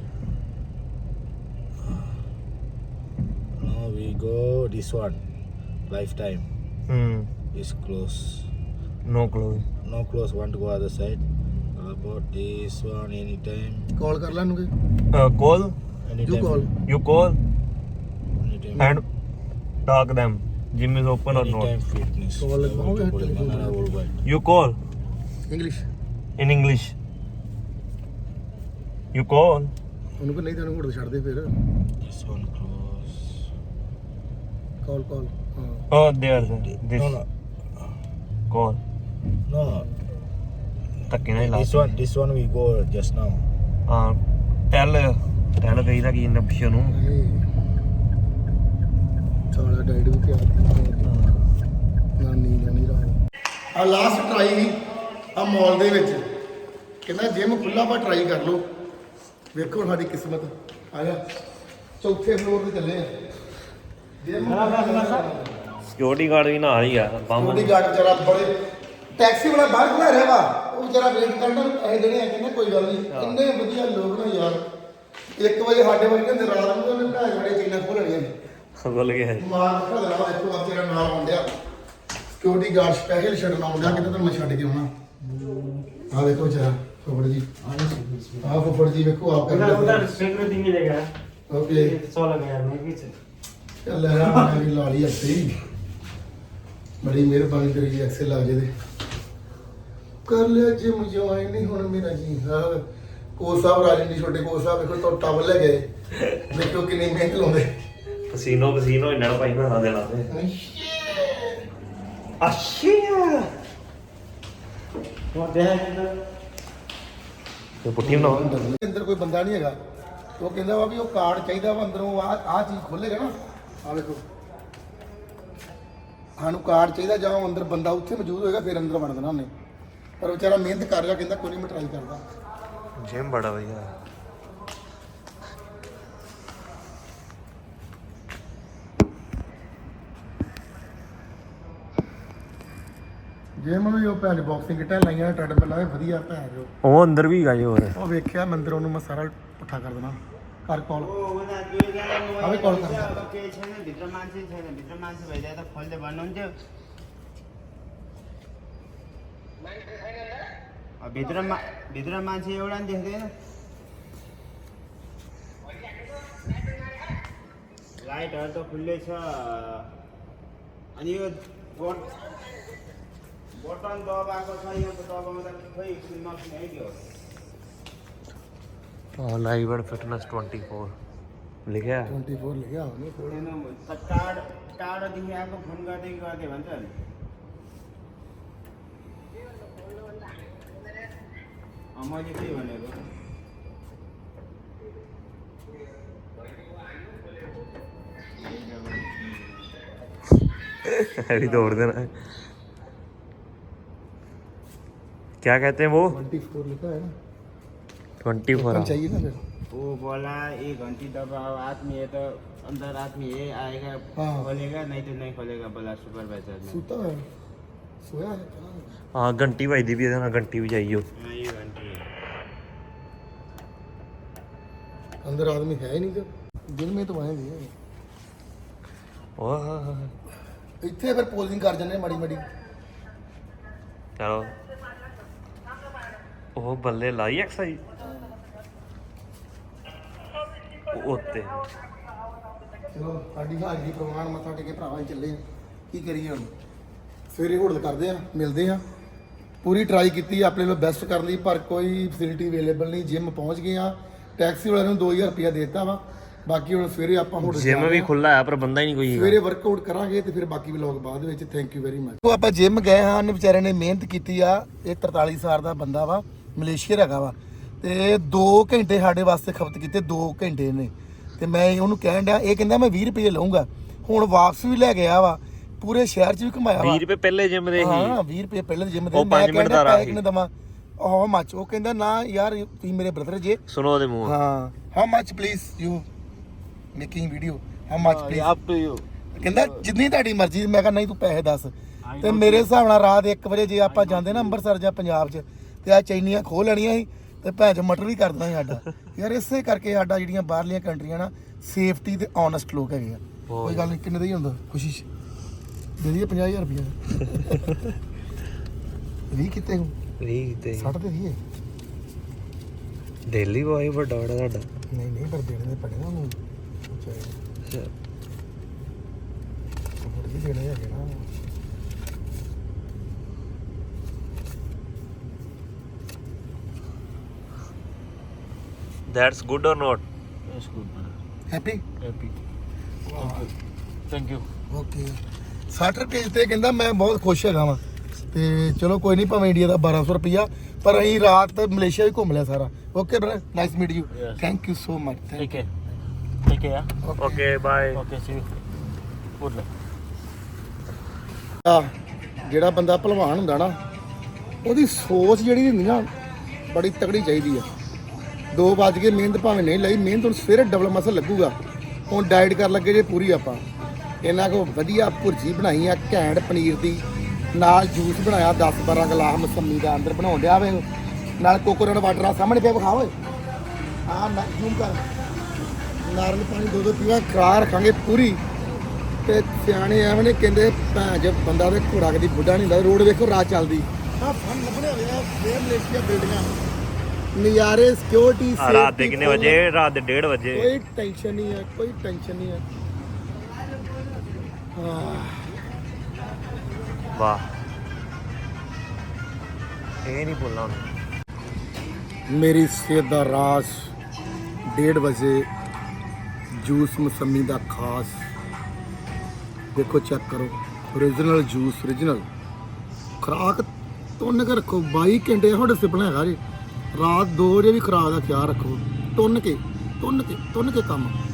Now we go this one. Lifetime ਹਮ is close. No close No close. Want to go other side? How about this one? Anytime. Call ਕਰ ਲਾਂਗੇ. ਕੋਲ Anytime. You call. You call Anytime. And talk them gym is open or Anytime not fitness. Call it. I want to put it in another worldwide. You call English. In English you call ਉਹਨੂੰ ਕੋ ਨਹੀਂ ਤੈਨੂੰ ਘੋੜ ਛੱਡ ਦੇ ਫਿਰ. This one close. Call call. ਹਾਂ. Oh there this No, no, ਕੋਲ no, no. ਧੱਕੇ ਨਾਲ ਹੀ ਲਾ This one, this one we go just now. ਹਾਂ ਟੈਲ ਟੈਲ ਕਹੀਦਾ ਕੀ ਇਹਨਾਂ ਪਿੱਛੇ ਨੂੰ ਨਹੀਂ. ਸਾਲਾ ਡਾਈਟ ਵੀ ਪਿਆ ਨਾ ਨੀਂਦ ਨਹੀਂ ਰਹਾ ਆ ਲਾਸਟ ਟਰਾਈ ਆ ਮਾਲ ਦੇ ਵਿੱਚ ਕਹਿੰਦਾ ਜਿਮ ਖੁੱਲਾ ਵਾ ਟਰਾਈ ਕਰ ਲਓ ਵੇਖੋ ਸਾਡੀ ਕਿਸਮਤ ਆ ਜਾ ਚੌਥੇ ਫਲੋਰ ਤੇ ਚੱਲੇ ਆ ਜਿਮ ਸਿਕਿਉਰਿਟੀ ਗਾਰਡ ਵੀ ਨਾਲ ਹੀ ਆ ਬੰਮ ਬੋਡੀ ਗਾਰਡ ਵਿਚਾਰਾ ਬੜੇ ਟੈਕਸੀ ਵਾਲਾ ਬਾਹਰ ਖੜਾ ਰਿਹਾ ਵਾ ਉਹ ਵਿਚਾਰਾ ਵੇਟ ਕਰਦਾ ਇਹ ਜਿਹੜੇ ਆ ਕਹਿੰਦੇ ਕੋਈ ਗੱਲ ਨਹੀਂ ਇੰਨੇ ਵਧੀਆ ਲੋਕ ਨਾ ਯਾਰ ਇੱਕ ਵਜੇ ਸਾਡੇ ਵਰਗੇ ਹੁੰਦੇ ਰਾਤ ਨੂੰ ਉਹਨੇ ਢਾਈ ਵਜੇ ਚੀਨਾਂ ਖੋਲਣੀਆਂ ਬੋਲ ਗਿਆ ਮਾਰ ਰੱਖਾ ਦੇਣਾ ਦੇਖੋ ਆ ਤੇਰਾ ਨਾਲ ਆਉਂਦਿਆ ਸਿਕਿਉਰਿਟੀ ਗਾਰਡ ਸਪੈਸ਼ਲ ਛੱਡਣ ਆਉਂਦਿਆ ਕਿਤੇ ਤੁਹਾਨੂੰ ਮੈਂ ਛੱਡ ਕੇ ਆਉਣਾ ਆ ਦੇਖੋ ਵਿਚਾਰਾ ਫੁੱਫੜ ਜੀ ਆ ਫੁੱਫੜ ਜੀ ਵੇਖੋ ਆਪ उधर ਕਰਦੇ उधर सिक्योरिटी मिलेगा ਓਕੇ सौ लगा यार मैं पीछे ਚੱਲ ਯਾਰ ਮੈਂ ਵੀ ਲਾ ਲਈ ਅੱਛੀ ਬੜੀ ਮਿਹਰਬਾਨੀ ਤੇਰੀ ਜੀ ਐਕਸਲ ਲਾ ਜੇ ਦੇ ਕਰ ਲਿਆ ਜਿਮ ਜੁਆਇਨ ਨਹੀਂ ਹੁਣ ਮੇਰਾ ਜੀ ਸਾਹਿਬ ਕੋਚ ਸਾਹਿਬ ਰਾਜਨ ਜੀ ਛੋਟੇ ਕੋਚ ਸਾਹਿਬ ਵੇਖੋ ਤੋਂ ਟਾਵਲ ਲੈ ਗਏ ਵੇਖੋ ਕਿੰਨੀ ਮਿਹਨਤ ਲਾਉਂਦੇ ਪਸੀਨੋ ਪਸੀਨੋ ਇਹਨਾਂ ਨੂੰ ਭਾਈ ਬਣਾ ਦੇ ਲਾਦੇ ਅੱਛਾ वहाँ देखा इधर ਤੇ ਪੁੱਠੀ ਬਣਾਓ ਅੰਦਰ ਕੋਈ ਬੰਦਾ ਨਹੀਂ ਹੈਗਾ ਤੇ ਉਹ ਕਹਿੰਦਾ ਵਾ ਵੀ ਉਹ ਕਾਰਡ ਚਾਹੀਦਾ ਵਾ ਅੰਦਰੋਂ ਆ ਆ ਚੀਜ਼ ਖੋਲੇਗਾ ਨਾ ਆ ਵੇਖੋ ਸਾਨੂੰ ਕਾਰਡ ਚਾਹੀਦਾ ਜਾਂ ਉਹ ਅੰਦਰ ਬੰਦਾ ਉੱਥੇ ਮੌਜੂਦ ਹੋਏਗਾ ਫਿਰ ਅੰਦਰ ਵੜ ਦੇਣਾ ਉਹਨੇ ਪਰ ਵਿਚਾਰਾ ਮਿਹਨਤ ਕਰ ਰਿਹਾ ਕਹਿੰਦਾ ਕੋਈ ਨਹੀਂ ਮੈਂ ਟਰਾਈ ਕਰਦਾ ਜਿਮ ਬੜਾ ਵਧੀਆ ਜੇ ਮੈਂ ਵੀ ਉਹ ਭੈਣ ਬਾਕਸਿੰਗ ਕਿਟਾਂ ਲਾਈਆਂ ਟ੍ਰੈਡਮਿਲ ਲਾਏ ਵਧੀਆ ਭੈਣ ਜੋ ਉਹ ਅੰਦਰ ਵੀ ਗਏ ਹੋਰ ਉਹ ਵੇਖਿਆ ਮੰਦਰ ਉਹਨੂੰ ਮੈਂ ਸਾਰਾ ਪੁੱਠਾ ਕਰ ਦੇਣਾ ਕਰ ਕਾਲ अब कॉल कर केही छैन भित्र मान्छे छैन भित्र मान्छे भइदिए त खोल्दै भन्नुहुन्थ्यो भित्र मा भित्र मान्छे एउटा नि देख्दैन लाइटहरू त खुल्लै छ अनि यो बोट बटन दबाएको छ यो दबाउँदा खोइ नसुनाइदियो live and fitness twenty four ਲਿਖਿਆ चौबीस लिखा हो टाढो टाढोदेखि आएको फोन गर्दै गर्दै भन्छ नि मैले त्यही भनेको अभी दौड़ देना क्या कहते हैं वो चौबीस लिखा है ना ट्वेंटी फोर टोकन चाहिए ना फिर वो बोला एक घंटी दबाओ आदमी है तो अंदर आदमी है आएगा हाँ। खोलेगा नहीं तो नहीं खोलेगा बोला सुपरवाइजर ने सूता है सोया है क्या है? हाँ घंटी बजदी भी है ना घंटी भी चाहिए हाँ ये घंटी है अंदर आदमी है ही नहीं तो दिन में तो आएंगे ਓਹ ਇੱਥੇ ਫਿਰ ਪੋਜ਼ਿੰਗ ਕਰ ਜੰਨੇ ਮਾੜੀ ਮਾੜੀ ਚਲੋ ਉਹ ਬੱਲੇ ਲਾਈ ਐਕਸਾਈਜ਼ ਉੱਤੇ ਚਲੋ ਸਾਡੀ ਹਾਜ਼ਰੀ ਪ੍ਰਵਾਨ ਮੱਥਾ ਟੇਕੇ ਭਰਾਵਾਂ ਚੱਲੇ ਆ ਕੀ ਕਰੀਏ ਹੁਣ ਸਵੇਰੇ ਹੋਟਲ ਕਰਦੇ ਆ ਮਿਲਦੇ ਆ ਪੂਰੀ ਟਰਾਈ ਕੀਤੀ ਆਪਣੇ ਵੱਲੋਂ ਬੈਸਟ ਕਰਨ ਦੀ ਪਰ ਕੋਈ ਫੈਸਿਲਿਟੀ ਅਵੇਲੇਬਲ ਨਹੀਂ ਜਿਮ ਪਹੁੰਚ ਗਏ ਆ ਟੈਕਸੀ ਵਾਲਿਆਂ ਨੂੰ ਦੋ ਹਜ਼ਾਰ ਰੁਪਇਆ ਦੇ ਦਿੱਤਾ ਵਾ ਬਾਕੀ ਹੁਣ ਸਵੇਰੇ ਆਪਾਂ ਹੋਟਲ ਜਿਮ ਵੀ ਖੁੱਲਾ ਆ ਪਰ ਬੰਦਾ ਹੀ ਨਹੀਂ ਕੋਈ ਸਵੇਰੇ ਵਰਕਆਊਟ ਕਰਾਂਗੇ ਤੇ ਫਿਰ ਬਾਕੀ ਵਲੌਗ ਬਾਅਦ ਵਿੱਚ ਥੈਂਕ ਯੂ ਵੈਰੀ ਮਚ ਉਹ ਆਪਾਂ ਜਿਮ ਗਏ ਹਾਂ ਉਹਨੇ ਵਿਚਾਰੇ ਨੇ ਮਿਹਨਤ ਕੀਤੀ ਆ ਇਹ ਤਰਤਾਲੀ ਸਾਲ ਦਾ ਬੰਦਾ ਵਾ ਮਲੇਸ਼ੀਆ ਹੈਗਾ ਵਾ ਤੇ ਦੋ ਘੰਟੇ ਸਾਡੇ ਵਾਸਤੇ ਖਪਤ ਕੀਤੇ ਦੋ ਘੰਟੇ ਨੇ ਤੇ ਮੈਂ ਉਹਨੂੰ ਕਹਿਣ ਡਿਆ ਇਹ ਕਹਿੰਦਾ ਮੈਂ ਵੀਹ ਰੁਪਏ ਲਵਾਂਗਾ ਹੁਣ ਵਾਪਸ ਵੀ ਲੈ ਗਿਆ ਵਾ ਪੂਰੇ ਸ਼ਹਿਰ 'ਚ ਵੀ ਘੁਮਾਇਆ ਵਾ ਵੀਹ ਰੁਪਏ ਪਹਿਲੇ ਜਿਮ ਦੇ ਹਾਂ ਹੀ ਵੀਹ ਰੁਪਏ ਪਹਿਲੇ ਜਿਮ ਦੇ ਉਹ ਪੰਜ ਮਿੰਟ ਦਾ ਰਾਹ ਸੀ। ਕਿੰਨੇ ਦਵਾਂ ਹਾਊ ਮੱਚ ਉਹ ਕਹਿੰਦਾ ਨਾ ਯਾਰ ਤੁਸੀਂ ਮੇਰੇ ਬ੍ਰਦਰ ਜੇ ਸੁਣੋ ਉਹਦੇ ਮੂੰਹ ਹਾਂ how much please you making video how much please Up to you. ਕਹਿੰਦਾ ਜਿੰਨੀ ਤੁਹਾਡੀ ਮਰਜ਼ੀ ਮੈਂ ਕਿਹਾ ਨਹੀਂ ਤੂੰ ਪੈਸੇ ਦੱਸ ਤੇ ਮੇਰੇ ਹਿਸਾਬ ਨਾਲ ਰਾਤ ਇੱਕ ਵਜੇ ਜੇ ਆਪਾਂ ਜਾਂਦੇ ਨਾ ਅੰਮ੍ਰਿਤਸਰ ਜਾਂ ਪੰਜਾਬ 'ਚ ਤੇ ਆ ਚੈਨੀਆਂ ਖੋਹ ਲੈਣੀਆਂ ਸੀ ਤੇ ਭੈਣ ਚ ਮਟਰ ਵੀ ਕਰ ਦੇਣਾ ਸੀ ਸਾਡਾ ਯਾਰ ਇਸੇ ਕਰਕੇ ਸਾਡਾ ਜਿਹੜੀਆਂ ਬਾਹਰਲੀਆਂ ਕੰਟਰੀਆਂ ਨਾ ਸੇਫਟੀ ਤੇ ਓਨੈਸਟ ਲੋਕ ਹੈਗੇ ਆ ਕੋਈ ਗੱਲ ਨਹੀਂ ਕਿੰਨੇ ਦਾ ਹੀ ਹੁੰਦਾ ਖੁਸ਼ੀ ਦੇ ਦਈਏ ਪੰਜਾਹ ਹਜ਼ਾਰ ਰੁਪਇਆ ਵੀਹ ਕਿਤੇ ਹੂੰ ਵੀਹ ਤੇ ਸੱਠ ਤੇ ਦੀਏ ਦਿੱਲੀ ਬੋਏ ਵੱਡਾ ਵੱਡਾ ਸਾਡਾ ਨਹੀਂ ਨਹੀਂ ਪਰ ਦੇਣੇ ਦੇ ਪੜੇ ਨਾ ਉਹਨੂੰ ਅੱਛਾ ਹੋਰ ਵੀ ਦੇਣੇ ਹੈਗੇ ਨਾ that's good or not That's good, man. Happy Happy. Thank you. Okay ਸੱਠ ਰੁਪਏ ਤੇ ਕਹਿੰਦਾ ਮੈਂ ਬਹੁਤ ਖੁਸ਼ ਹੈਗਾ ਵਾਂ ਤੇ ਚਲੋ ਕੋਈ ਨਹੀਂ ਭਾਵੇਂ ਇੰਡੀਆ ਦਾ ਬਾਰਾਂ ਸੌ ਰੁਪਈਆ ਪਰ ਅਸੀਂ ਰਾਤ ਮਲੇਸ਼ੀਆ ਵੀ ਘੁੰਮ ਲਿਆ ਸਾਰਾ okay brother nice meet you Yes. Thank you so much Take care. Take care. Yeah? Okay bye Okay, see you. Good luck. ਆ ਜਿਹੜਾ ਬੰਦਾ ਭਲਵਾਨ ਹੁੰਦਾ ਨਾ ਉਹਦੀ ਸੋਚ ਜਿਹੜੀ ਹੁੰਦੀ ਨਾ ਬੜੀ ਤਕੜੀ ਚਾਹੀਦੀ ਆ ਦੋ ਵੱਜ ਕੇ ਮਿਹਨਤ ਭਾਵੇਂ ਨਹੀਂ ਲਈ ਮਿਹਨਤ ਹੁਣ ਸਵੇਰੇ ਡਬਲ ਮਸਲ ਲੱਗੂਗਾ ਹੁਣ ਡਾਈਟ ਕਰਨ ਲੱਗੇ ਜੇ ਪੂਰੀ ਆਪਾਂ ਇਹਨਾਂ ਕੋ ਵਧੀਆ ਭੁਰਜੀ ਬਣਾਈ ਆ ਘੈਂਟ ਪਨੀਰ ਦੀ ਨਾਲ ਜੂਸ ਬਣਾਇਆ ਦਸ ਬਾਰਾਂ ਗਲਾਸ ਮਸੰਮੀ ਦਾ ਅੰਦਰ ਬਣਾਉਣ ਡਿਆ ਵੇ ਨਾਲ ਕੋਕੋਨਟ ਵਾਟਰ ਆ ਸਾਹਮਣੇ ਪਿਆ ਵਿਖਾ ਓਏ ਆ ਨਾ ਜ਼ੂਮ ਕਰ ਨਾਰਲ ਪਾਣੀ ਦੋ ਦੋ ਪੀਵਾ ਖਰਾ ਰੱਖਾਂਗੇ ਪੂਰੀ ਤੇ ਸਿਆਣੇ ਐਵੇਂ ਨੇ ਕਹਿੰਦੇ ਭੈਣ ਜੇ ਬੰਦਾ ਤੇ ਘੋੜਾ ਕਦੀ ਬੁੱਢਾ ਨਹੀਂ ਹੁੰਦਾ ਰੋਡ ਵੇਖੋ ਰਾਤ ਚੱਲਦੀ ਆ ਫਨ ਲੱਭਣੇ ਹੋਏ ਆ ਫੇਰ ਮਲੇਸ਼ੀਆ ਬਿਲਡਿੰਗਾਂ ਨਜ਼ਾਰੇ ਸਿਕਿਉਰਿਟੀ ਰਾਤ ਦੇ ਕਿੰਨੇ ਵਜੇ ਰਾਤ ਦੇ ਡੇਢ ਵਜੇ ਕੋਈ ਟੈਨਸ਼ਨ ਨਹੀਂ ਹੈ ਕੋਈ ਟੈਨਸ਼ਨ ਨਹੀਂ ਹੈ ਹਾਂ ਵਾਹ ਇਹ ਨਹੀਂ ਬੋਲਣਾ ਮੇਰੀ ਸਿਹਤ ਦਾ ਰਾਜ ਡੇਢ ਵਜੇ ਜੂਸ ਮਸੰਮੀ ਦਾ ਖਾਸ ਦੇਖੋ ਚੈੱਕ ਕਰੋ ਓਰੀਜਨਲ ਜੂਸ ਓਰੀਜਨਲ ਖੁਰਾਕ ਤੁੰਨ ਕੇ ਰੱਖੋ ਬਾਈ ਘੰਟੇ ਤੁਹਾਡੇ ਸਿਪਣਾ ਹੈਗਾ ਜੀ ਰਾਤ ਦੋ ਵਜੇ ਵੀ ਖੁਰਾਕ ਦਾ ਖਿਆਲ ਰੱਖੋ ਤੁੰਨ ਕੇ ਤੁੰਨ ਕੇ ਤੁੰਨ ਕੇ ਕੰਮ